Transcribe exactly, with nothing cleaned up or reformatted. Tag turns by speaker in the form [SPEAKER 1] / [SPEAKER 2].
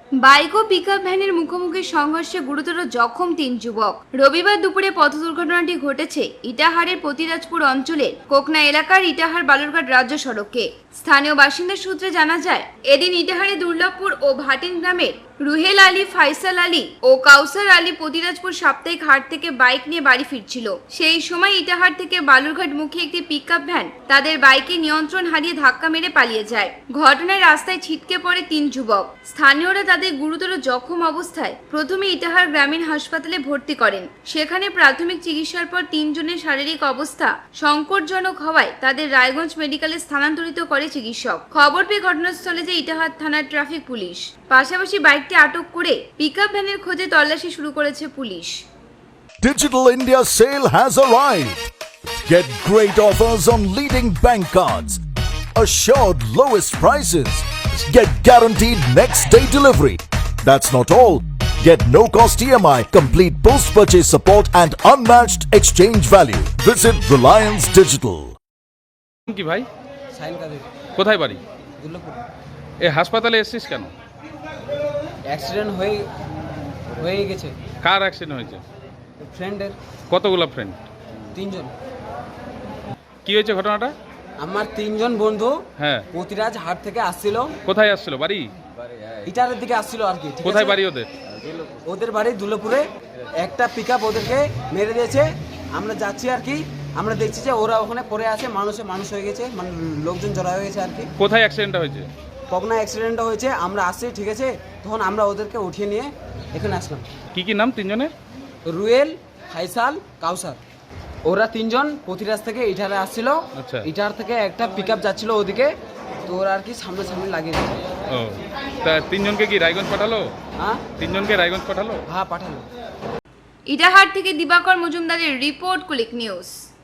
[SPEAKER 1] Bike ও pickup ভ্যানের মুখোমুখি সংঘর্ষে গুরুতর জখম তিন যুবক। রবিবার দুপুরে পথ দুর্ঘটনাটি ঘটেছে ইটাহারের পতিরাজপুর অঞ্চলের কোকনা এলাকার ইটাহার বালুরঘাট রাজ্য সড়কে। স্থানীয় বাসিন্দা সূত্রে জানা যায়, এদিন ইটাহারে দুর্লভপুর ও ভাটিন গ্রামের রুহেল আলী, ফাইসাল আলী ও কাউসার আলী পতিরাজপুর সাপ্তাহিক হাট থেকে বাইক নিয়ে বাড়ি ফিরছিল। সেই সময় ইটাহার থেকে বালুরঘাট মুখী একটি পিকআপ ভ্যান তাদের বাইকে নিয়ন্ত্রণ হারিয়ে ধাক্কা মেরে পালিয়ে যায়। ঘটনায় রাস্তায় ছিটকে পড়ে তিন যুবক। স্থানীয়রা তাদের গুরুতর জখম অবস্থায় প্রথমে ইটাহার গ্রামীণ হাসপাতালে ভর্তি করেন। সেখানে প্রাথমিক চিকিৎসার পর তিনজনের শারীরিক অবস্থা সংকটজনক হওয়ায় তাদের রায়গঞ্জ মেডিকেলে স্থানান্তরিত করে চিকিৎসক। খবর পেয়ে ঘটনাস্থলে যায় ইটাহার থানার ট্রাফিক পুলিশ। পাশাপাশি বাইকটি আটক করে পিকআপ ভ্যানের খোঁজে তল্লাশি শুরু করেছে পুলিশ।
[SPEAKER 2] Digital India sale has arrived. Get great offers on leading bank cards, assured lowest prices, get guaranteed next day delivery. That's not all. Get no cost E M I, complete post purchase support and unmatched exchange value. Visit Reliance Digital.
[SPEAKER 3] কি ভাই?
[SPEAKER 4] সাইন কাদের।
[SPEAKER 3] কোথায় বাড়ি?
[SPEAKER 4] দুর্লভপুর।
[SPEAKER 3] এ হাসপাতালে এসেছিস কেন?
[SPEAKER 4] Accident হয়ে হয়ে গেছে।
[SPEAKER 3] কার অ্যাক্সিডেন্ট হয়েছে?
[SPEAKER 4] ফ্রেন্ডের।
[SPEAKER 3] কতগুলো ফ্রেন্ড?
[SPEAKER 4] তিনজন।
[SPEAKER 3] কি হয়েছে ঘটনাটা?
[SPEAKER 4] আমার তিনজন বন্ধু
[SPEAKER 3] হ্যাঁ।
[SPEAKER 4] পতিরাজ হাট থেকে আসছিল।
[SPEAKER 3] কোথায় আসছিল? বাড়ি?
[SPEAKER 4] ইটারের দিকে আসছিল আর কি।
[SPEAKER 3] কোথায় বাড়ি ওদের?
[SPEAKER 4] ওদের বাড়ি দুর্লভপুরে। একটা পিকআপ ওদেরকে মেরে দিয়েছে। আমরা যাচ্ছি আর কি, আমরা দেখছি যে ওরা ওখানে পড়ে আছে, মানুষে মানুষ হয়ে গেছে, মানে লোকজন জড়া হয়ে গেছে আর কি।
[SPEAKER 3] কোথায় অ্যাক্সিডেন্টটা হয়েছে?
[SPEAKER 4] কখনো অ্যাক্সিডেন্টটা হয়েছে, আমরা আসছি ঠিক আছে, তখন আমরা ওদেরকে উঠিয়ে নিয়ে এখানে আসলাম।
[SPEAKER 3] কি কি নাম তিনজনের?
[SPEAKER 4] রুয়েল, ফাইসাল, কাউসার। ওরা তিনজন পতিরাজ থেকে ইটারে আসছিল।
[SPEAKER 3] আচ্ছা।
[SPEAKER 4] ইটার থেকে একটা পিকআপ যাচ্ছিল ওদিকে, তো ওরা আর কি সামনে সামনে লাগিয়ে দিয়েছে।
[SPEAKER 3] ও, তা তিনজনকে কি রায়গঞ্জ পাঠালো?
[SPEAKER 4] হ্যাঁ
[SPEAKER 3] তিনজনকে রায়গঞ্জ পাঠালো?
[SPEAKER 4] হ্যাঁ পাঠালো।
[SPEAKER 1] ইটাহার থেকে দিবাকর মজুমদারের রিপোর্ট, কুলিক নিউজ।